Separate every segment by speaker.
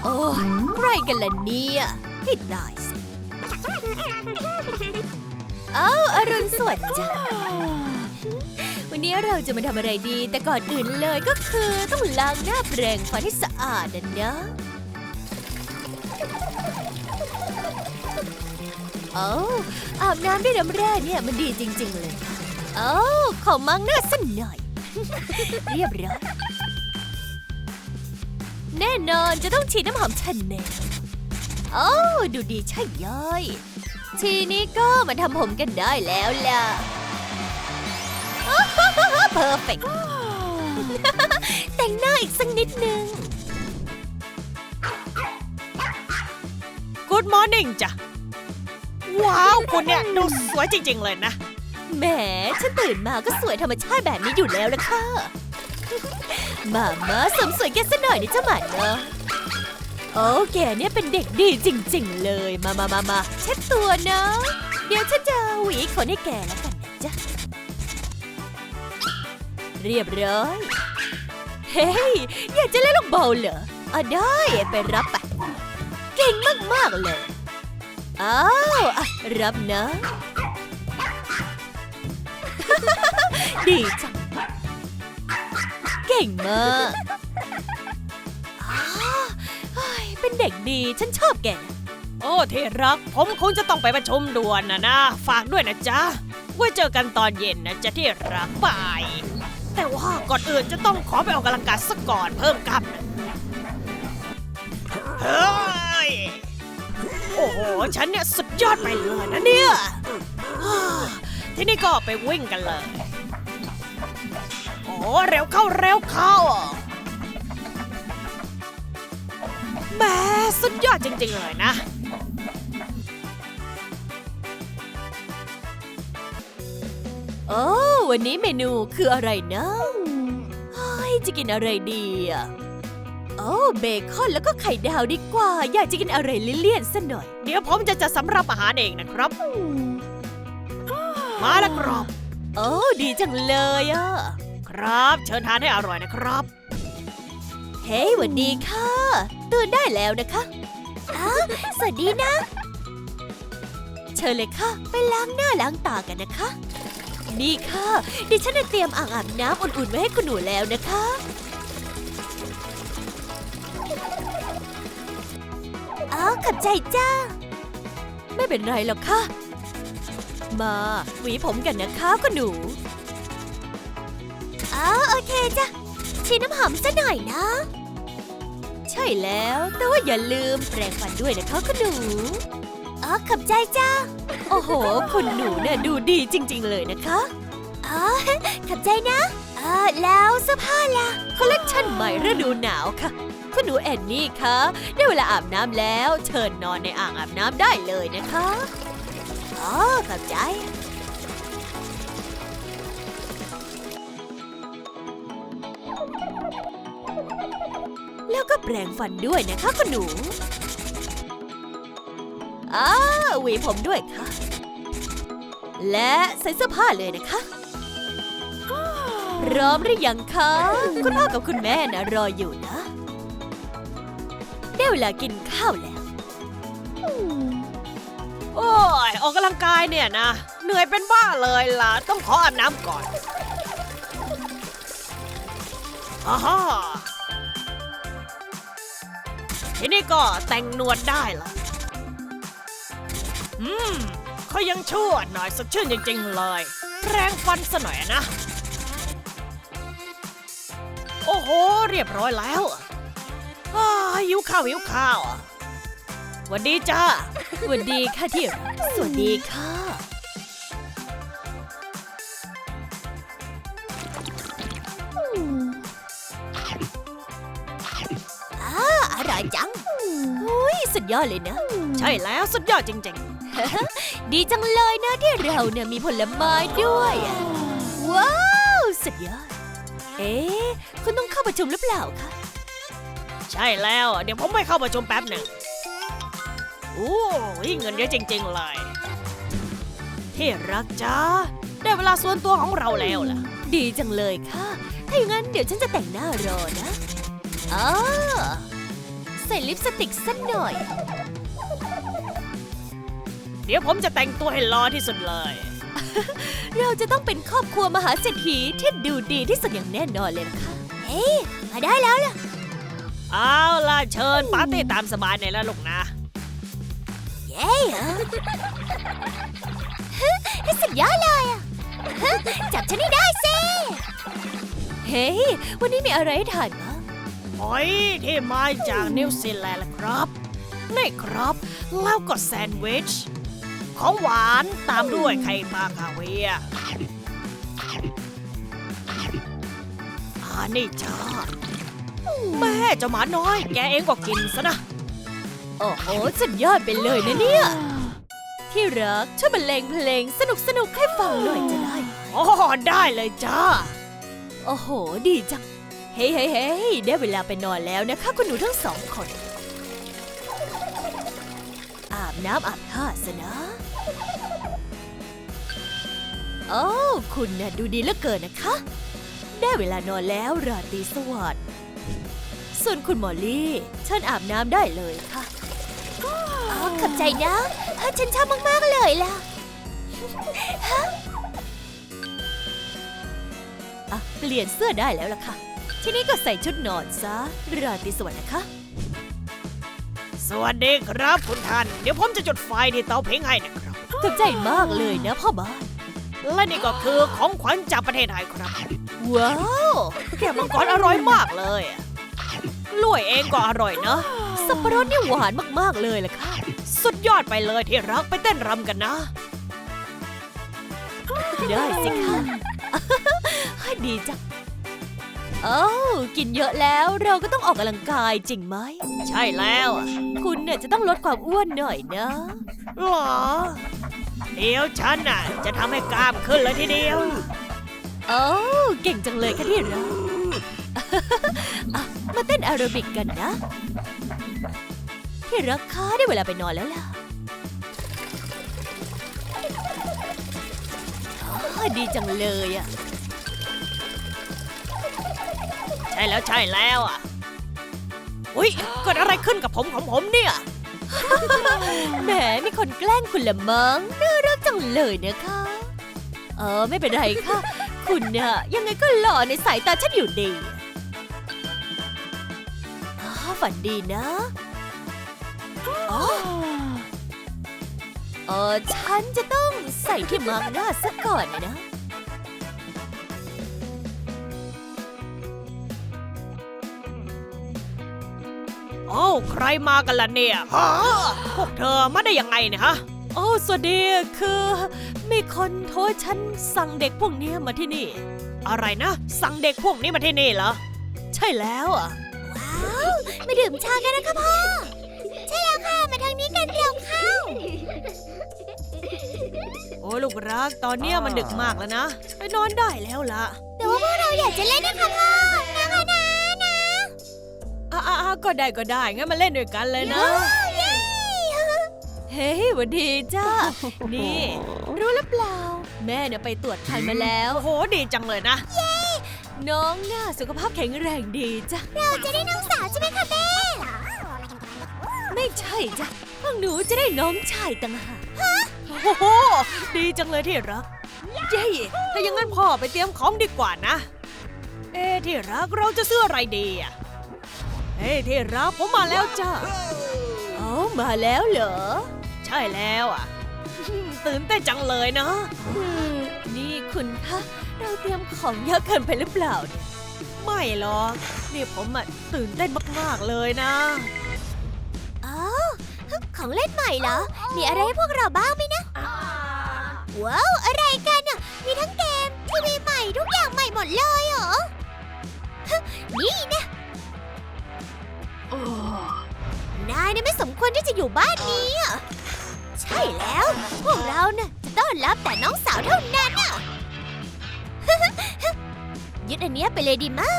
Speaker 1: โอ้ใครกันล่ะเนี่ยให้ตายสิอรุณสวัสดิ์จ้าวันนี้เราจะมาทำอะไรดีแต่ก่อนอื่นเลยก็คือต้องล้างหน้าแปรงฟันให้สะอาดนะอาบน้ำด้วยน้ำแร่เนี่ยมันดีจริงๆเลยขอมั่งหน้าสักหน่อย เรียบร้อยแน่นอนจะต้องฉีดน้ำหอมชันแนลดูดีใช่ย่อยทีนี้ก็มาทำผมกันได้แล้วล่ะเพอร์เฟกต์ แต่งหน้าอีกสักนิดนึง
Speaker 2: Good morning จ้ะว้าวคุณเนี่ยดูสวยจริงๆเลยนะ
Speaker 1: แหมฉันตื่นมาก็สวยธรรมชาติแบบนี้อยู่แล้วล่ะค่ะมาเสริมสวยแกซะหน่อยนี่เจ้าหมาเนอะโอ้แกเนี่ยเป็นเด็กดีจริงๆเลยมาเช็ดตัวนะเดี๋ยวฉันจะหวีขนให้แกแล้วกันนะจ๊ะเรียบร้อยเฮ้ยอยากจะเล่นลูกบอลเหรอได้ไปรับไปเก่งมากๆเลยรับนะ ดีจังเก่งมากเป็นเด็กดีฉันชอบแก
Speaker 2: โอ้ที่รักผมคงจะต้องไปประชุมด่วนนะฝากด้วยนะจ๊ะไว้เจอกันตอนเย็นนะจ๊ะที่รักบายแต่ว่าก่อนอื่นจะต้องขอไปออกกำลังกายสักก่อนเพิ่มกล้ามเฮ้ยโอ้โหฉันเนี่ยสุดยอดไปเลยนะเนี่ยที่นี่ก็ไปวิ่งกันเลยโอ้เร็วเข้าแหมสุดยอดจริงๆเลยนะ
Speaker 1: วันนี้เมนูคืออะไรนะจะกินอะไรดีเบคอนแล้วก็ไข่ดาวดีกว่าอยากจะกินอะไรเลี่ยนๆซะหน่อย
Speaker 2: เดี๋ยวผมจะจัดสำรับอาหารเองนะครับมาแล้วครับ
Speaker 1: ดีจังเลย
Speaker 2: ครับเชิญทานให้อร่อยนะครับ
Speaker 1: เฮ้ยสวัสดีค่ะตื่นได้แล้วนะคะสวัสดีนะเชิญเลยค่ะไปล้างหน้าล้างตากันนะคะนี่ค่ะดิฉันได้เตรียมอ่างอาบน้ำอุ่นๆไว้ให้คุณหนูแล้วนะคะขอบใจจ้าไม่เป็นไรหรอกค่ะมาหวีผมกันนะคะคุณหนูโอเคจ้ะฉีดน้ำหอมซะหน่อยนะใช่แล้วแต่ว่าอย่าลืมแปรงฟันด้วยนะคะคุณหนูขอบใจจ้าโอ้โหคุณหนูเนี่ยดูดีจริงๆเลยนะคะขอบใจนะแล้วเสื้อผ้าล่ะคอลเลคชันใหม่ฤดูหนาวค่ะคุณหนูแอนนี่คะได้เวลาอาบน้ำแล้วเชิญนอนในอ่างอาบน้ำได้เลยนะคะขอบใจแล้วก็แปรงฟันด้วยนะคะคุณหนูหวีผมด้วยค่ะและใส่เสื้อผ้าเลยนะคะพร้อมหรือยังคะคุณพ่อกับคุณแม่นะรออยู่นะได้เวลากินข้าวแล้ว
Speaker 2: โอ้ยออกกำลังกายเนี่ยนะเหนื่อยเป็นบ้าเลยล่ะต้องขออาบน้ำก่อนทีนี้ก็แต่งหนวดได้ละเขายังชั่วหน่อยสดชื่นจริงๆเลยแรงฟันซะหน่อยนะโอ้โหเรียบร้อยแล้วหิวข้าวสวัสดีจ้า
Speaker 1: สวัสดีค่ะที่รักสวัสดีค่ะอร่อยจังสุดยอดเลยนะ
Speaker 2: ใช่แล้วสุดยอดจริง
Speaker 1: ๆ ดีจังเลยนะที่เราเนี่ยมีผลไม้ด้วยว้าวสุดยอดคุณต้องเข้าประชุมหรือเปล่าคะ
Speaker 2: ใช่แล้วเดี๋ยวผมไปเข้าประชุมแป๊บหนึ่งโอ้ยเงินเยอะจริงๆเลยที่รักจ้าได้เวลาส่วนตัวของเราแล้วล่ะ
Speaker 1: ดีจังเลยค่ะถ้าอย่างนั้นเดี๋ยวฉันจะแต่งหน้ารอนะเสส่ลิปสติกสักหน่อย
Speaker 2: เดี๋ยวผมจะแต่งตัวให้หล่อที่สุดเลย
Speaker 1: เราจะต้องเป็นครอบครัวมหาเศรษฐีที่ดูดีที่สุดอย่างแน่นอนเลยนะคะเฮ้ยมาได้แล้วล่ะ
Speaker 2: เอาล่ะเชิญปาร์ตี้ตามสบายในแล้วลูกนะ
Speaker 1: เย้สุดยอดเลยอ่ะจับฉันให้ได้สิเฮ้ยวันนี้มีอะไรให้ทานบ้าง
Speaker 2: หอยที่มาจากนิวซีแลนด์ล่ะครับนี่ครับแล้วก็แซนด์วิช ของหวานตามด้วยไข่ปลาคาเวียร์นี่จ้าแม่เจ้าหมาน้อยแกเองก็กินซะนะ
Speaker 1: โอ้โหสุดยอดไปเลยนะเนี่ยที่รักช่วยบรรเลงเพลงสนุกให้ฟังหน่อยจะได้ไหม
Speaker 2: อ๋อได้เลยจ้า
Speaker 1: โอ้โหดีจังเฮ้ยได้เวลาไปนอนแล้วนะคะคุณหนูทั้งสองคนอาบน้ำอาบท่าซะนะโอ้คุณน่ะดูดีเหลือเกินนะคะได้เวลานอนแล้วราตรีสวัสดิ์ส่วนคุณมอลลี่เชิญอาบน้ำได้เลยค่ะขอบใจนะฉันชอบมากๆเลยล่ะเปลี่ยนเสื้อได้แล้วล่ะค่ะทีนี้ก็ใส่ชุดนอนซะราตรีสวัสดิ์นะคะ
Speaker 2: สวัสดีครับคุณท่านเดี๋ยวผมจะจุดไฟที่เตาผิงให้นะครับ
Speaker 1: ขอบใจมากเลยนะพ่อบ้าน
Speaker 2: และนี่ก็คือของขวัญจากประเทศไทยครับ
Speaker 1: ว้าว
Speaker 2: แกวมังกรอร่อยมากเลยกล้วยเองก็อร่อยเนอะ
Speaker 1: สับปะรดนี่หวานมากๆเลยล่ะค่ะ
Speaker 2: สุดยอดไปเลยที่รักไปเต้นรำกันนะ
Speaker 1: ได้สิค่ะ ดีจังโอ้กินเยอะแล้วเราก็ต้องออกกำลังกายจริงไหม
Speaker 2: ใช่แล้วอะ
Speaker 1: คุณเนี่ยจะต้องลดความอ้วนหน่อยนะ
Speaker 2: หรอเดี๋ยวฉันน่ะจะทำให้กล้ามขึ้นเลยทีเดียว
Speaker 1: โอ้เก่งจังเลยค่ะที่รัก มาเต้นแอโรบิกกันนะ ที่รักคะได้เวลาไปนอนแล้วล่ะดีจังเลยอ่ะ
Speaker 2: ใช่แล้วอ่ะอุ๊ยเกิดอะไรขึ้นกับผมของผมเนี่ย
Speaker 1: แหมมีคนแกล้งคุณละมั้งน่ารักจังเลยนะคะไม่เป็นไรค่ะ คุณน่ะยังไงก็หล่อในสายตาฉันอยู่ดีฝันดีนะฉันจะต้องใส่ที่มาร์กหน้าซะก่อนนะ
Speaker 2: โอ้ใครมากันล่ะเนี่ยฮะพวกเธอมาได้ยังไงเนี่ยฮะ
Speaker 1: โอ้สวัสดีคือมีคนโทรฉันสั่งเด็กพวกนี้มาที่นี่
Speaker 2: อะไรนะ สั่งเด็กพวกนี้มาที่นี่เหรอ
Speaker 1: ใช่แล้วอ่ะว้าวมาดื่มชากันนะคะพ่อใช่แล้วค่ะมาทางนี้กันเร็วเข้า
Speaker 2: โอ้ลูกรักตอนเนี้ยมันดึกมากแล้วนะไปนอนได้แล้วล่ะ
Speaker 1: แต่ว่าพวกเราอยากจะเล่นนะคะพ่อนะคะนะ
Speaker 2: ก็ได้งั้นมาเล่นด้วยกันเลยนะ
Speaker 1: เฮ้ยหวันดีจ้า นี่ รู้หรือเปล่า แม่เนี่ยไปตรวจคันมาแล้ว
Speaker 2: โอ้โหดีจังเลยนะ
Speaker 1: น้องน่าสุขภาพแข็งแรงดีจ้ะเราจะได้น้องสาวใช่ไหมคะแม่ไม่ใช่จ้ะพวกหนูจะได้น้องชายต่างหาก
Speaker 2: โอ้โหดีจังเลยที่รักเย้ถ้าอย่างนั้นพ่อไปเตรียมของดีกว่านะที่รักเราจะซื้ออะไรดีอ่ะที่รักผมมาแล้วจ้า
Speaker 1: มาแล้วเหรอ
Speaker 2: ใช่แล้วอ่ะ ตื่นเต้นจังเลยนะ
Speaker 1: นี่คุณคะเราเตรียมของเยอะเกินไปหรือเปล่าเนี่ย
Speaker 2: ไม่หรอกนี่ผมตื่นเต้นมากๆเลยนะ
Speaker 1: ของเล่นใหม่เหรอ มีอะไรให้พวกเราบ้างไหมนะ ว้าว อะไรกันอ่ะ มีทั้งเกมทีวีใหม่ทุกอย่างใหม่หมดเลยเหรอ นี่นะนายเนี่ยไม่สมควรที่จะอยู่บ้านนี้อ่ะ ใช่แล้ว พวกเราเนี่ยจะต้อนรับแต่น้องสาวเท่านั้นอ่ะ ยึดอันเนี้ยไปเลยดีมาก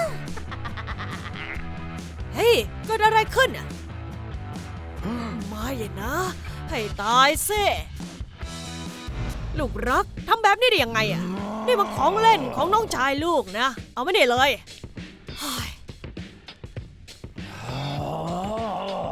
Speaker 2: เฮ้ยเกิดอะไรขึ้นอ่ะไม่เลยนะ ให้ตายซิลูกรักทำแบบนี้ได้ยังไงอ่ะนี่มันของเล่นของน้องชายลูกนะ เอาไม่ได้เลย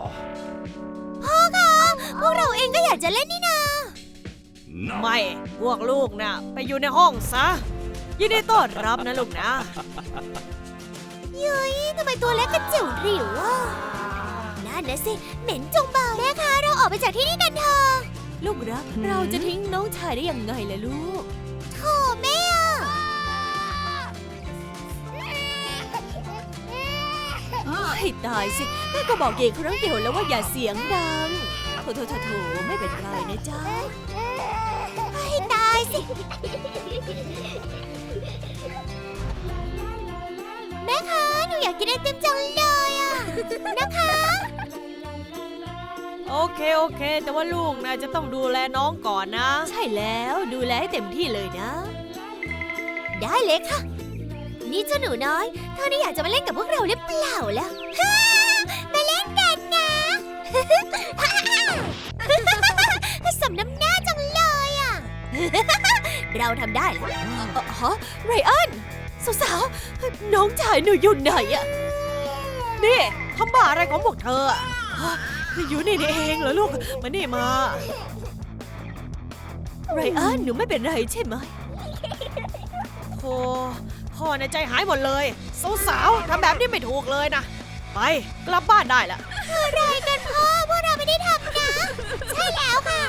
Speaker 1: อยากจะเล่นนี่นา
Speaker 2: ไม่พวกลูกน่ะไปอยู่ในห้องซะยินดีต้อนรับนะลูกนะ
Speaker 1: เย้ยทำไมตัวเล็กกระจิ๋วหริวอ่ะนั่นนะสิเหม็นจงเบาแม่คะเราออกไปจากที่นี่กันเถอะลูกรักเราจะทิ้งน้องชายได้ยังไงล่ะลูกโธ่แม่ให้ตายสิแม่ก็บอกเย่ครั้งเดียวแล้วว่าอย่าเสียงดังโถไม่เป็นไรนะจ๊ะให้ตายสิแม่คะหนูอยากกินไอติมจังเลยอ่ะนะคะ
Speaker 2: โอเคแต่ว่าลูกนะจะต้องดูแลน้องก่อนนะ
Speaker 1: ใช่แล้วดูแลให้เต็มที่เลยนะ ได้เลยค่ะ นี่เจ้าหนูน้อยเธอนี่อยากจะมาเล่นกับพวกเราหรือเปล่าล่ะมาเล่นกันนะ สมน้ำหน้าจังเลยอ่ะ เราทำได้แล้วฮะไรอันสาวๆน้องชายหนูอยู่ไหนอ่ะ
Speaker 2: นี่ทำบ้าอะไรของพวกเธออะอยู่นี่เองเหรอลูกมานี่มา
Speaker 1: ไรอันหนูไม่เป็นไรใช่ไหม
Speaker 2: โธ่พ่อในใจหายหมดเลยสาวๆทำแบบนี้ไม่ถูกเลยนะไปกลับบ้านได้ละ
Speaker 1: อะไรกันพ่อพวกเราไม่ได้ทำนะใช่แล้วค่ะ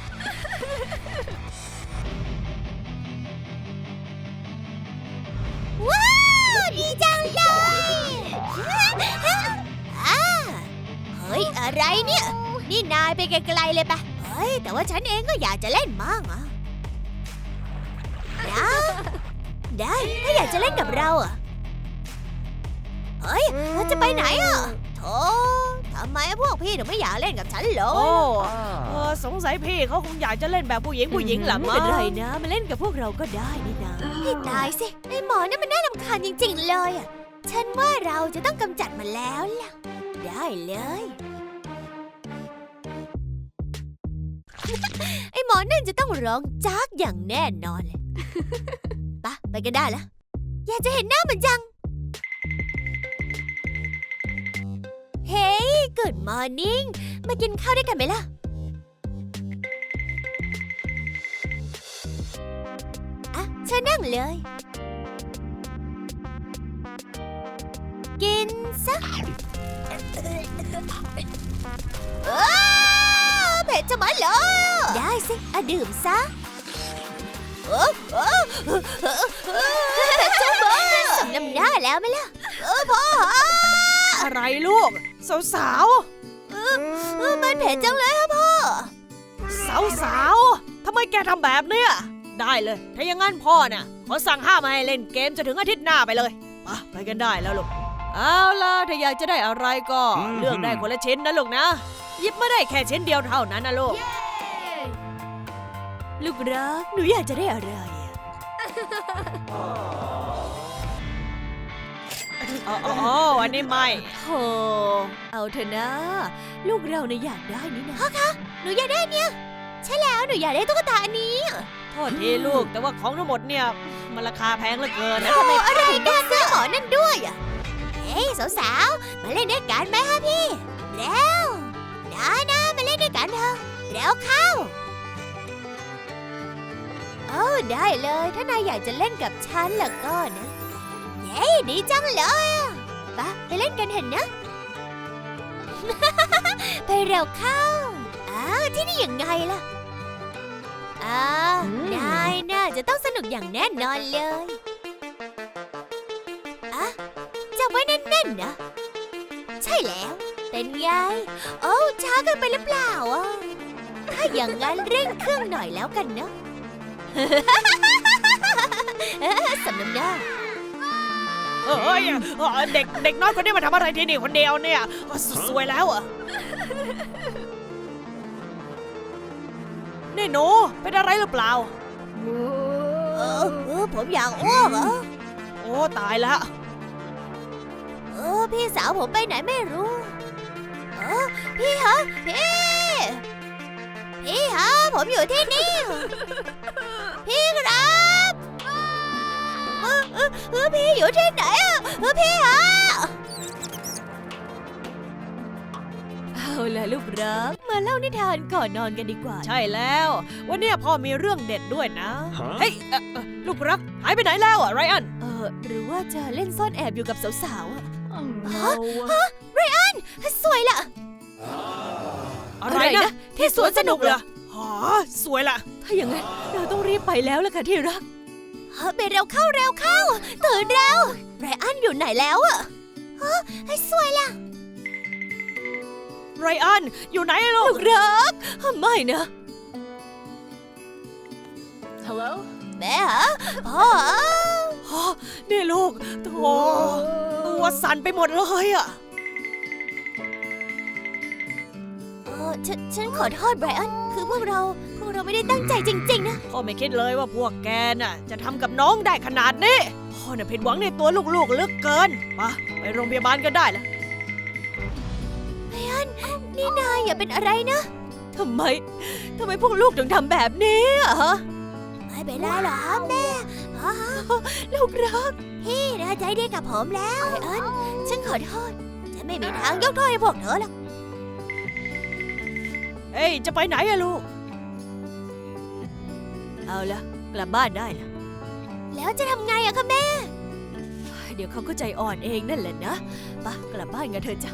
Speaker 1: ว้าวดีจังเลยเฮ้ยอะไรเนี่ยนี่นายไปไกลๆเลยปะเฮ้ยแต่ว่าฉันเองก็อยากจะเล่นมั่งอ่ะนะได้ถ้าอยากจะเล่นกับเราอ่ะเฮ้ยเราจะไปไหนอ่ะโธ่ทำไมพวกพี่ถึงไม่อยากเล่นกับฉันเล
Speaker 2: โอ้
Speaker 1: ย
Speaker 2: สงสัยพี่เขาคงอยากจะเล่นแบบผู้หญิงหลัง
Speaker 1: ไม่เป็นไรนะมาเล่นกับพวกเราก็ได้นี่นะให้ตายสิไอ้หมอนั่นมันน่ารำคาญจริงๆเลยอ่ะฉันว่าเราจะต้องกำจัดมันแล้วล่ะได้เลย ไอ้หมอนั่นจะต้องร้องจากอย่างแน่นอนเลยไปกันได้แล้วอยากจะเห็นหน้ามันจังเฮ้ย Good morning มากินข้าวด้วยกันไหมล่ะอ่ะเชิญนั่งเลยกินซะเผ็ดจะมาเลยได้สิอ่ะดื่มซะเผ็ดจะมาสมน้ำหน้าแล้วไหมล่ะพ่อ
Speaker 2: อะไรลูกสาว
Speaker 1: มันเผ็ดจังเลยครับพ่อ
Speaker 2: สาวทำไมแกทำแบบเนี้ยได้เลยถ้าอย่างงั้นพ่อน่ะขอสั่งห้ามไม่ให้เล่นเกมจนถึงอาทิตย์หน้าไปเลยไปกันได้แล้วลูกเอาล่ะถ้าอยากจะได้อะไรก็เลือกได้คนละชิ้นนะลูกนะหยิบมาได้แค่ชิ้นเดียวเท่านั้นนะลูก
Speaker 1: ลูกรักหนูอยากจะได้อะไร
Speaker 2: อันนี้ไม่
Speaker 1: โธ่เอาเถอะนะ ลูกเราเนี่ยอยากได้นี่นะพ่อคะหนูอยากได้เนี่ยใช่แล้วหนูอยากได้ตุ๊กตาอันนี้
Speaker 2: โทษทีลูกแต่ว่าของทั้งหมดเนี่ยมันราคาแพงเหลือเกินนะ
Speaker 1: ทำไมอะไรกันซื้อหมอนั่นด้วยอ่ะเฮ้ยสาวๆมาเล่นด้วยกันไหมคะพี่เร็วนะมาเล่นด้วยกันเถอะเร็วเข้าได้เลยถ้านายอยากจะเล่นกับฉันล่ะก็นะเย้ดีจังเลยไปเล่นกันเห็นนะ ไปเร็วเข้าที่นี่ยังไงล่ะนายน่าจะต้องสนุกอย่างแน่นอนเลยจับไว้แน่นๆนะใช่แล้วเป็นไงช้าเกินไปหรือเปล่าถ้าอย่างนั้นเร่งเครื่องหน่อยแล้วกันเนาะ สำน้ำหน้า
Speaker 2: เด็กน้อยคนนี้มาทำอะไรที่นี่คนเดียวเนี่ยสวยแล้วอ่ะนี่หนูเป็นอะไรหรือเปล่า
Speaker 1: ผมอยากอ้วก
Speaker 2: โอ้ตายแล้ว
Speaker 1: พี่สาวผมไปไหนไม่รู้พี่ฮะพี่ฮะผมอยู่ที่นี่พี่ครับพี่อยู่ที่ไหนพี่ฮะเอาล่ะลูกรักมาเล่านิทานก่อนนอนกันดีกว่า
Speaker 2: ใช่แล้ว วันเนี้ยพ่อมีเรื่องเด็ดด้วยนะ
Speaker 3: ฮะ
Speaker 2: เฮ้ยลูกรักหายไปไหนแล้วอะไรอัน
Speaker 1: หรือว่าจะเล่นซ่อนแอบอยู่กับสาวๆอะ
Speaker 3: no.
Speaker 1: สวยละ
Speaker 2: อะไรนะที่สวนสนุกเหรอหาสวยละ
Speaker 1: ถ้าอย่างนั้นเราต้องรีบไปแล้วล่ะค่ะที่รักไปเร็วเข้าตื่นเร็วไรอันอยู่ไหนแล้วอะสวยละ
Speaker 2: ไรอันอยู่ไหนลู
Speaker 1: ลู
Speaker 2: ก
Speaker 1: กรักไม่นะ
Speaker 3: Hello?
Speaker 1: แม่ฮะพ่อ
Speaker 2: ฮะนี่ลูกโถตัวสั่นไปหมดเลยอะ
Speaker 1: ฉันขอโทษไบรอันคือพวกเราไม่ได้ตั้งใจจริงๆนะ
Speaker 2: พ่อไม่คิดเลยว่าพวกแกน่ะจะทำกับน้องได้ขนาดนี้พ่อน่ะผิดหวังในตัวลูกๆเหลือเกินมาไปโรงพยาบาลก็ได้ละ
Speaker 1: นี่นายอย่าเป็นอะไรนะทำไมพวกลูกถึงทำแบบนี้อะฮะไม่เป็นไรหรอกแม่ลูกรักพี่นะใจดีกับผมแล้วไบรอันฉันขอโทษฉันไม่มีทางยกโทษให้พวกเธอหรอก
Speaker 2: เฮ้ยจะไปไหนอะลูกเอาละกลับบ้านได้ละ
Speaker 1: แล้วจะทำไงอะคะแม่เดี๋ยวเขาก็ใจอ่อนเองนั่นแหละนะไปกลับบ้านกันเถอะจ้ะ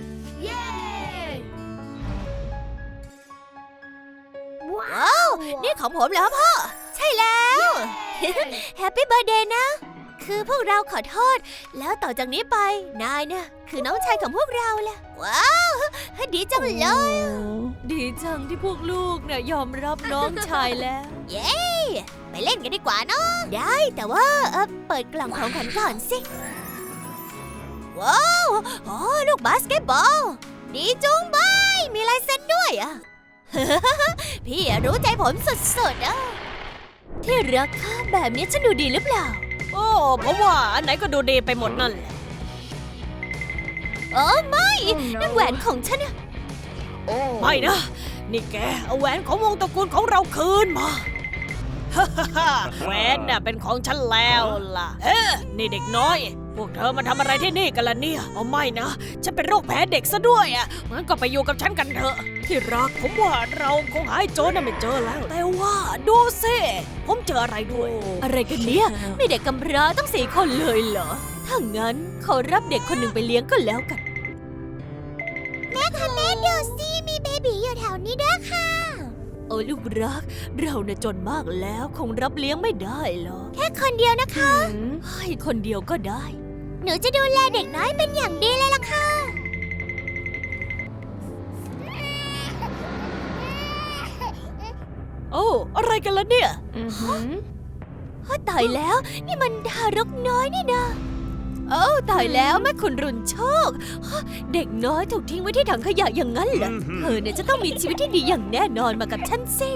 Speaker 1: ว้าวนี่ของผมเหรอพ่อใช่แล้ว แฮปปี้เบิร์ธเดย์นะคือพวกเราขอโทษแล้วต่อจากนี้ไปนายเนี่ยคือน้องชายของพวกเราแหละว้าวดีจังเลยดีจังที่พวกลูกเนี่ยยอมรับน้องชายแล้ว เย้ไปเล่นกันดีกว่าเนาะได้แต่ว่าเปิดกล่องของขวัญก่อนสิว้าวโอ้ลูกบาสเกตบอลดีจุงบายมีลายเซ็นด้วยอ่ะ พี่รู้ใจผมสุดๆนะที่รักค่ะแบบนี้ฉันดูดีหรือเปล่า
Speaker 2: โอ้ผมว่าอันไหนก็ดูดีไปหมดนั่นแหละ
Speaker 1: โอ้ไม่นั่นแหวนของฉันอะ
Speaker 2: ไม่นะนี่แกเอาแหวนของวงตระกูลของเราคืนมา แหวนน่ะเป็นของฉันแล้วล่ะเฮ้นี่เด็กน้อยพวกเธอมาทำอะไรที่นี่กันล่ะเนี่ยเอาไม่นะฉันเป็นโรคแพ้เด็กซะด้วยอ่ะงั้นก็ไปอยู่กับฉันกันเถอะที่รักผมว่าเราคงหาไอ้โจรน่ะไม่เจอแล้ว แต่ว่าดูสิผมเจออะไรด้วย
Speaker 1: อะไรกันเนี่ยมีเด็กกำพร้าตั้ง4 คนเลยเหรอถ้างั้นขอรับเด็กคนหนึ่งไปเลี้ยงก็แล้วกันแม่ค่ะแม่ดูสิมีเบบีอยู่แถวนี้ด้วยค่ะโอ้ลูกรักเราน่ะจนมากแล้วคงรับเลี้ยงไม่ได้หรอกแค่คนเดียวนะคะให้คนเดียวก็ได้หนูจะดูแลเด็กน้อยเป็นอย่างดีเลยล่ะค่ะ
Speaker 2: โอ้อะไรกันล่ะเนี่ย
Speaker 1: ตายแล้วนี่มันทารกน้อยนี่นะโอ้ตายแล้วแม่คุณรุนโชคเด็กน้อยถูกทิ้งไว้ที่ถังขยะอย่างนั้นเหรอเธอเนี่ยจะต้องมีชีวิตที่ดีอย่างแน่นอนมากับฉันสิ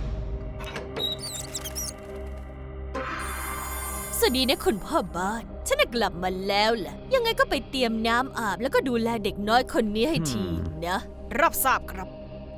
Speaker 1: สวัสดีนะคุณพ่อบ้านฉันน่ะกลับมาแล้วแหละยังไงก็ไปเตรียมน้ำอาบแล้วก็ดูแลเด็กน้อยคนนี้ให้ทีนะ
Speaker 2: รับทราบครับ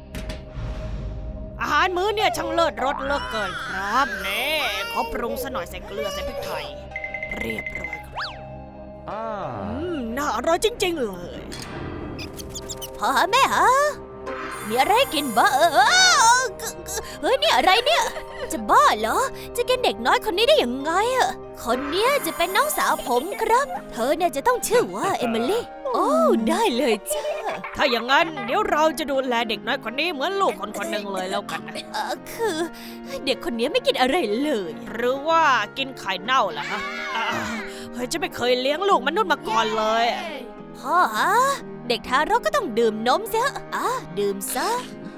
Speaker 2: อาหารมื้อเนี่ยช่างเลิศรสเหลือเกินครับเน่ขอปรุงซะหน่อยใส่เกลือใส่พริกไทยเรียบร้อยครับ น่าอร่อยจริงๆเลย
Speaker 1: พ่อแม่ฮะมีอะไรให้กินบ้าเฮ้ยนี่อะไรเนี่ยจะบ้าเหรอจะกินเด็กน้อยคนนี้ได้ยังไงอะคนเนี้ยจะเป็นน้องสาวผมครับเธอเนี่ยจะต้องชื่อว่าเอมิลี่โอ้ได้เลยจ้า
Speaker 2: ถ้าอย่างนั้นเดี๋ยวเราจะดูแลเด็กน้อยคนนี้เหมือนลูกคนหนึ่งเลยแล้วกันนะ
Speaker 1: คือเด็กคนนี้ไม่กินอะไรเลย
Speaker 2: หรือว่ากินไข่เน่าล่ะฮะเฮ้ยจะไม่เคยเลี้ยงลูกมนุษย์มาก่อนเลย
Speaker 1: พ่อฮะเด็กทารกก็ต้องดื่มนมเสียดื่มซะ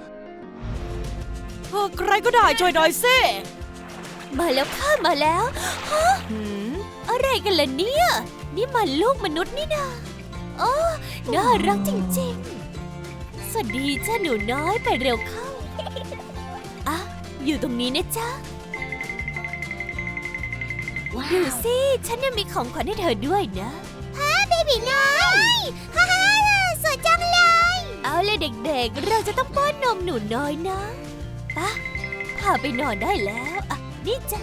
Speaker 2: ใครก็ได้ช่วยหน่อยสิ
Speaker 1: มาแล้วค่ะมาแล้วฮะอะไรกันล่ะเนี่ยนี่มันลูกมนุษย์นี่นาโอ้น่ารักจริงๆสวัสดีจ้าหนูน้อยไปเร็วเข้าอยู่ตรงนี้นะจ๊ะดูสิฉันยังมีของขวัญให้เธอด้วยนะเบบีน้อยฮ่าสวยจังเลยเอาเลยเด็กๆเราจะต้องป้อนนมหนูน้อยนะพาไปนอนได้แล้วนี่จ้ะ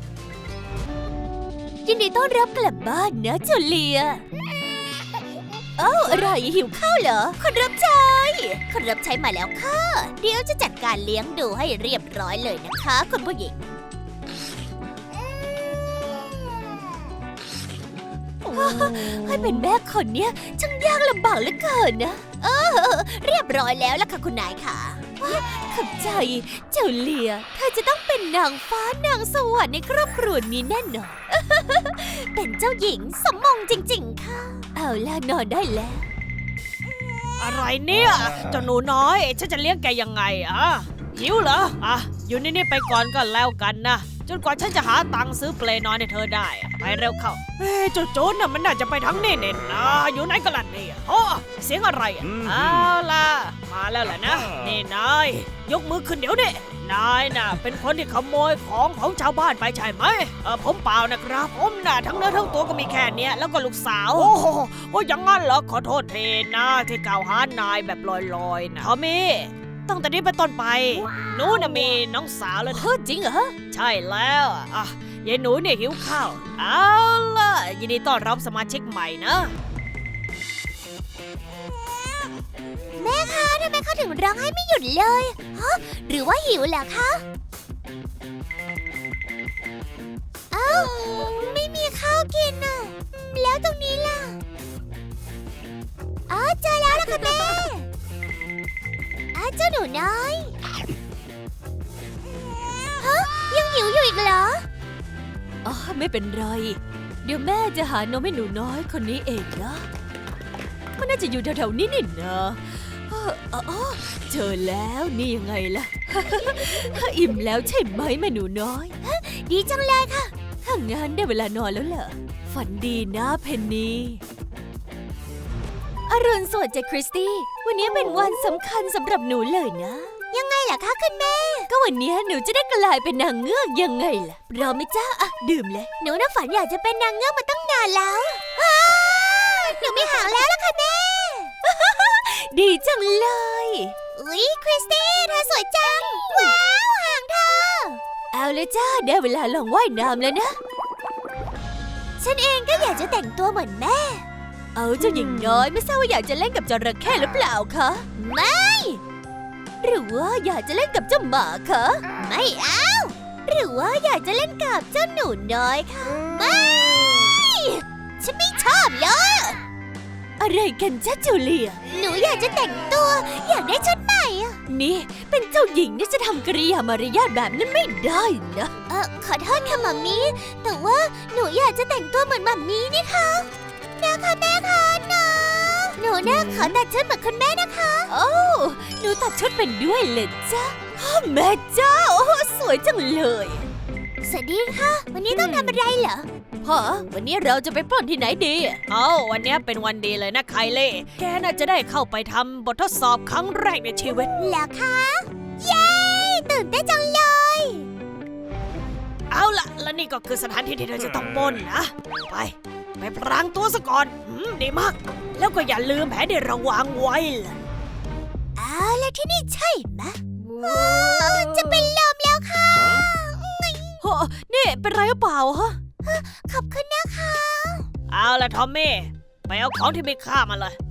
Speaker 1: ยินดีต้อนรับกลับบ้านนะจูเลียอะไรหิวข้าวเหรอคนรับใช้มาแล้วค่ะเดี๋ยวจะจัดการเลี้ยงดูให้เรียบร้อยเลยนะคะคุณผู้หญิงให้เป็นแม่คนเนี้ยช่างยากลำบากเหลือเกินนะเรียบร้อยแล้วล่ะค่ะคุณนายค่ะขอบใจเจ้าเลียเธอจะต้องเป็นนางฟ้านางสวรรค์ในครอบครัวนี้แน่นอน เป็นเจ้าหญิงสมมงจริงๆค่ะเอาล่ะนอนได้แล้ว
Speaker 2: อะไรเนี่ยเจ้าหนูน้อยฉันจะเลี้ยงแกยังไงหิวเหรออยู่นี่ไปก่อนก็แล้วกันนะจนกว่าฉันจะหาตังค์ซื้อเปลนอนให้เธอได้ไปเร็วเข้าเจ้าโจรน่ะมันน่าจะไปทั้งนี่เน่นนะอยู่ไหนกันล่ะเนี่ยเสียงอะไรเอาล่ะมาแล้วแหละนะนี่นายยกมือขึ้นเดี๋ยวนี้นายน่ะเป็นคนที่ขโมยของชาวบ้านไปใช่ไหมผมเปล่านะครับผมน่ะทั้งเนื้อทั้งตัวก็มีแค่เนี้ยแล้วก็ลูกสาวโอ้อย่างงั้นเหรอขอโทษเทนะที่กล่าวหานายแบบลอยๆนะทอมมี่ตั้งแต่นี้เป็นต้นไปหนูน่ะมีน้องสาวแล้วนะ
Speaker 1: จริงเหรอ
Speaker 2: ใช่แล้วยายหนูเนี่ยหิวข้าวเอาล่ะยินดีต้อนรับสมาชิกใหม่นะ
Speaker 1: แม่คะทำไมเขาถึงร้องให้ไม่หยุดเลยหรือว่าหิวเหรอคะไม่มีข้าวกินน่ะแล้วตรงนี้ล่ะเจอแล้วล่ะค่ะแม่เจ้าหนูน้อยยังหิวอยู่อีกเหรอไม่เป็นไรเดี๋ยวแม่จะหานมให้หนูน้อยคนนี้เองนะมันน่าจะอยู่แถวๆนี้นี่นะเจอแล้วนี่ยังไงล่ะ อิ่มแล้วใช่ไหมแม่หนูน้อยดีจังเลยค่ะถ้างั้นได้เวลานอนแล้วเหรอฝันดีนะเพนนีอรุณสวัสดิ์จ้ะคริสตี้วันนี้เป็นวันสำคัญสำหรับหนูเลยนะยังไงล่ะคะคุณแม่ก็วันนี้หนูจะได้กลายเป็นนางเงือกยังไงล่ะรอไหมจ้าดื่มเลยหนูน่ะฝันอยากจะเป็นนางเงือกมาตั้งนานแล้วหนูมีหางแล้วล่ะค่ะแม่ ดีจังเลยอุ๊ยคริสตี้เธอสวยจังว้าวหางเธอเอาเลยจ้าได้เวลาลองว่ายน้ำแล้วนะฉันเองก็อยากจะแต่งตัวเหมือนแม่เอาเจ้าหญิงน้อยไม่ทราบว่าอยากจะเล่นกับจระเข้หรือเปล่าคะไม่หรือว่าอยากจะเล่นกับเจ้าหมาคะไม่เอาหรือว่าอยากจะเล่นกับเจ้าหนูน้อยคะไม่ฉันไม่ชอบเลยอะไรกันจ้าจูเลียหนูอยากจะแต่งตัวอยากได้ชุดใหม่นี่เป็นเจ้าหญิงนี่จะทำกริยามารยาทแบบนั้นไม่ได้นะขอโทษค่ะมัมมี่แต่ว่าหนูอยากจะแต่งตัวเหมือนมัมมี่นี่ค่ะนะคะแม่คะหนูน่าขอตัดชุดเหมือนคุณแม่นะคะโอ้หนูตัดชุดเป็นด้วยเลยจ้าแม่เจ้าสวยจังเลยสวัสดีค่ะวันนี้ต้องทำอะไรเหรอพ่อวันนี้เราจะไปปล้นที่ไหนดี
Speaker 2: วันนี้เป็นวันดีเลยนะไคลี่แกน่าจะได้เข้าไปทำบททดสอบครั้งแรกในชีวิต
Speaker 1: แล้วคะเย้ตื่นเต้นจังเลย
Speaker 2: เอาล่ะและนี่ก็คือสถานที่ที่เธอจะต้องปล้นนะไปพรางตัวซะก่อนดีมากแล้วก็อย่าลืมแผนที่เราวางไว้ล่ะ
Speaker 1: แล้วที่นี่ใช่ไหมจะเป็นลมแล้วค่ะ
Speaker 2: นี่เป็นไรหรือเปล่าฮะ
Speaker 1: ขอบคุณนะคะ
Speaker 2: เอาล่ะทอมมี่ไปเอาของที่มีค่ามาเลย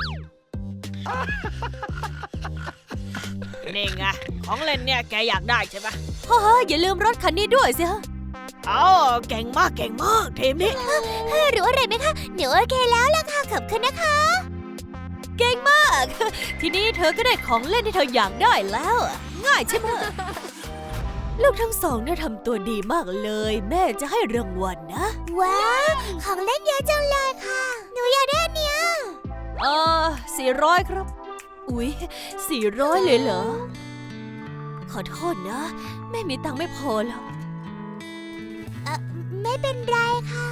Speaker 2: นี่ไงของเล่นเนี่ยแกอยากได้ใช่ไหม
Speaker 1: อย่าลืมรถคันนี้ด้วยสิ
Speaker 2: เก่งมากทีมนี้
Speaker 1: รู้อะไรไหมคะหนูโอเคแล้วล่ะค่ะขอบคุณนะคะเก่งมากทีนี้เธอก็ได้ของเล่นที่เธออยากได้แล้วง่ายใช่ไหมลูกทั้งสองเนี่ยทำตัวดีมากเลยแม่จะให้รางวัลนะว้าวของเล่นเยอะจังเลยค่ะหนูอยากได้อันเนี้ย400ครับอุ๊ย400เลยเหรอขอโทษนะแม่มีตังค์ไม่พอแล้วไม่เป็นไรค่ะ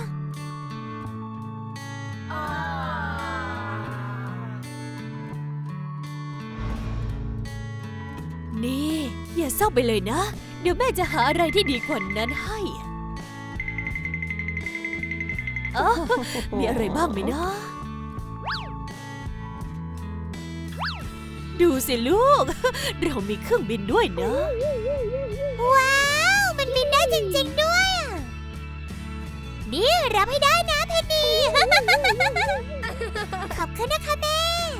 Speaker 1: นี่อย่าเศร้าไปเลยนะเดี๋ยวแม่จะหาอะไรที่ดีกว่านั้นให้มีอะไรบ้างไหมนะดูสิลูกเรามีเครื่องบินด้วยนะว้าวมันบินได้จริงๆด้วยนี่รับให้ได้นะเพนนีขอบคุณนะคะแม่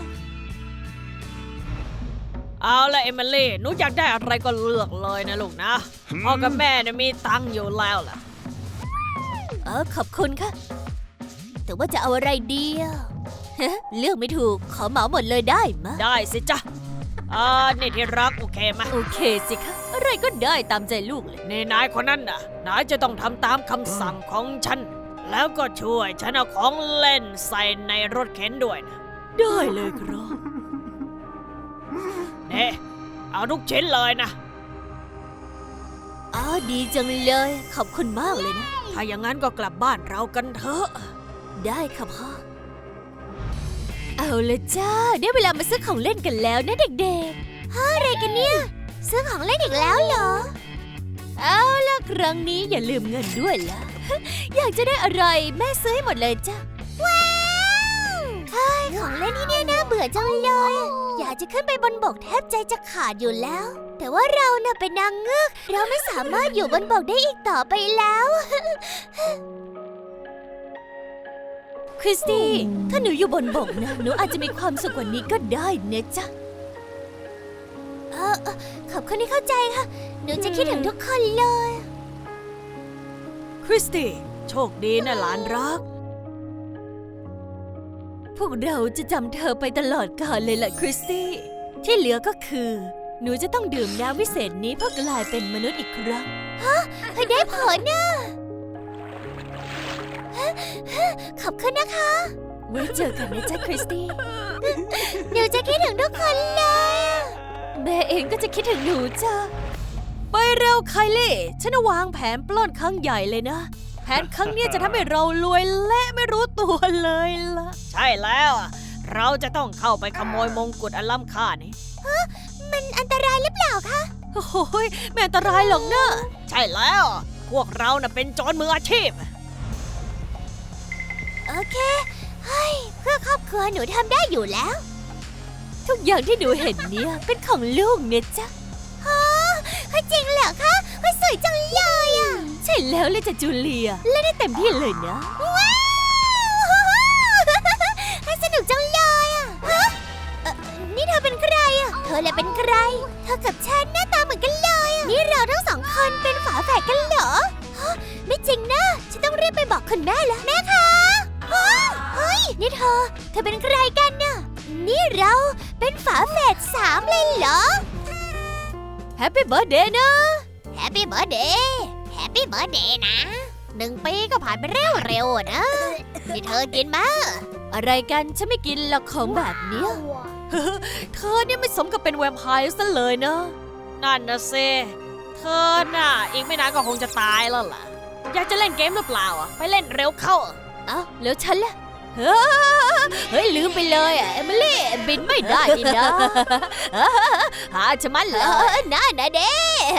Speaker 2: เอาละเอมิลี่หนูอยากได้อะไรก็เลือกเลยนะลูกนะพ่อกับแม่เนี่ยมีตังค์อยู่แล้วล่ะ
Speaker 1: ขอบคุณค่ะ แต่ว่าจะเอาอะไรดีอะเลือกไม่ถูกขอเหมาหมดเลยได้มะ
Speaker 2: ได้สิจ๊ะนี่ที่รักโอเคไหม
Speaker 1: โอเคสิคะอะไรก็ได้ตามใจลูกเลย
Speaker 2: นี่นายคนนั้นน่ะนายจะต้องทำตามคำสั่งของฉัน แล้วก็ช่วยฉันเอาของเล่นใส่ในรถเข็นด้วยนะ
Speaker 1: ได้เลยครับ
Speaker 2: เน่เอาทุกชิ้นเลยนะ
Speaker 1: ดีจังเลยขอบคุณมากเลยนะ
Speaker 2: ถ้าอย่างนั้นก็กลับบ้านเรากันเถอะ
Speaker 1: ได้ค่ะพ่อ เอาเลยจ้าได้เวลามาซื้อของเล่นกันแล้วนะเด็กๆอะไรกันเนี่ย ซื้อของเล่นอีกแล้วเหรอ เอาล่ะครั้งนี้อย่าลืมเงินด้วยล่ะ อยากจะได้อะไรแม่ซื้อให้หมดเลยจ้าว้าวเฮ้ยของเล่นที่นี่น่าเบื่อจังเลย อยากจะขึ้นไปบนบกแทบใจจะขาดอยู่แล้ว แต่ว่าเราน่ะเป็นนางเงือกเราไม่สามารถอยู่บนบกได้อีกต่อไปแล้ว คริสตี้ ถ้าหนูอยู่บนบกนะ หนูอาจจะมีความสุขกว่านี้ก็ได้นะจ๊ะขอบคุณที่เข้าใจค่ะ หนูจะคิดถึงทุกคนเลย
Speaker 2: คริสตี้โชคดีนะหลานรัก
Speaker 1: พวกเราจะจำเธอไปตลอดกาลเลยล่ะคริสตี้ ที่เหลือก็คือ หนูจะต้องดื่มน้ำวิเศษนี้เพื่อกลายเป็นมนุษย์อีกครั้ง ฮะได้ผลนะขอบคุณนะคะ ไว้เจอกันนะจ๊ะคริสตี้ หนูจะคิดถึงทุกคนเลยแม่เองก็จะคิดถึงหนูจ้ะ ไปเร็วไคลี่ฉันวางแผนปล้นครั้งใหญ่เลยนะ แผนครั้งเนี้ยจะทำให้เรารวยและไม่รู้ตัวเลยล่ะ
Speaker 2: ใช่แล้วเราจะต้องเข้าไปขโมยมงกุฎอันล้ำค่านี้
Speaker 1: มันอันตรายหรือเปล่าคะ โอ้ยไม่อันตรายหรอกเนอะ
Speaker 2: ใช่แล้ว พวกเราน่ะเป็นโจรมืออาชีพ
Speaker 1: โอเคเฮ้ยเพื่อครอบครัวหนูทำได้อยู่แล้ว ทุกอย่างที่หนูเห็นเนี่ยเป็นของลูกเนี่ยจ้ะฮะจริงเหรอคะสวยจังเลยอ่ะ ใช่แล้วเลยจ้ะจูเลียเล่นได้เต็มที่เลยนะ ว้าวสนุกจังเลยอ่ะฮะนี่เธอเป็นใครอ่ะ เธอแหละเป็นใคร เธอกับฉันหน้าตาเหมือนกันเลยอ่ะ นี่เราทั้งสองคนเป็นฝาแฝดกันเหรอฮะไม่จริงนะฉันต้องรีบไปบอกคุณแม่แล้วแม่คะเฮ้ยนี่เธอเป็นใครกันน่ะ นี่เราเป็นฝาแฝด3เลยเหรอ แฮปปี้เบิร์ธเดย์นะ แฮปปี้เบิร์ธเดย์แฮปปี้เบิร์ธเดย์นะ1 ปีก็ผ่านไปเร็วๆนะ นี่เธอกินมาอะไรกันฉันไม่กินหรอกของแบบเนี้ย เธอเนี่ยไม่สมกับเป็นแวมไพร์ซะเลยนะ
Speaker 2: นั่นนะเซเธอน่ะอีกไม่นานก็คงจะตายแล้วล่ะ อยากจะเล่นเกมหรือเปล่าไปเล่นเร็วเข้า
Speaker 1: เอ้าแล้วฉันล่ะเฮ้ยลืมไปเลยเอมิลี่บินไม่ได้นี่นะหาจะมันเหรอน่าเด้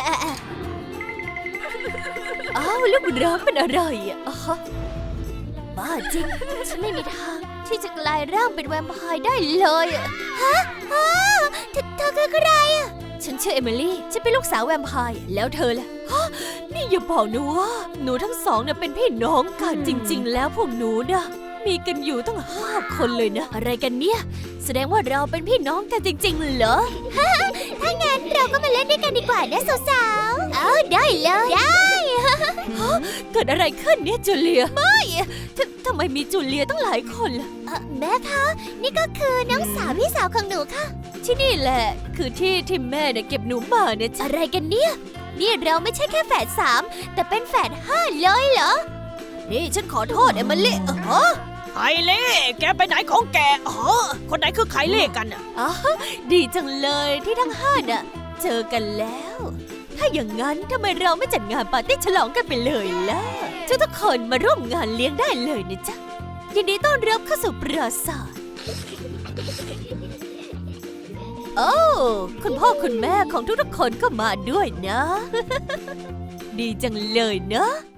Speaker 1: เอ้าลูกร้องเป็นอะไรอ่ะบ้าจริงฉันไม่มีทางที่จะกลายร่างเป็นแวมไพร์ได้เลยฮะเธอคือใครอ่ะฉันชื่อเอมิลี่ฉันเป็นลูกสาวแวมไพร์แล้วเธอล่ะนี่อย่าบอกนะว่าหนูทั้งสองเนี่ยเป็นพี่น้องกันจริงๆแล้วพวกหนูนะมีกันอยู่ตั้ง5 คนเลยนะอะไรกันเนี่ยแสดงว่าเราเป็นพี่น้องกันจริงๆเหรอ ถ้างั้นเราก็มาเล่นด้วยกันดีกว่านะสาวๆได้เลยได้ เกิดอะไรขึ้นเนี่ยจูเลียไม่ทำไมมีจูเลียตั้งหลายคนล่ะแม่คะนี่ก็คือน้องสาวพี่สาวของหนูค่ะที่นี่แหละคือที่แม่เนี่ยเก็บหนูมาเนี่ยอะไรกันเนี่ยนี่เราไม่ใช่แค่แฝด3แต่เป็นแฝด5เลยเหรอนี่ฉันขอโทษเอมิลี่
Speaker 2: ไคลี่แกไปไหนของแกคนไหนคือไคลี่กันอ่ะ
Speaker 1: ดีจังเลยที่ทั้ง5น่ะเจอกันแล้ว ถ้าอย่างนั้นทำไมเราไม่จัดงานปาร์ตี้ฉลองกันไปเลยล่ะทุกคนมาร่วมงานเลี้ยงได้เลยนะจ๊ะยินดีต้อนรับเข้าสู่ปราสาทโอ้คุณพ่อคุณแม่ของทุกๆคนก็มาด้วยนะ ดีจังเลยเนอะ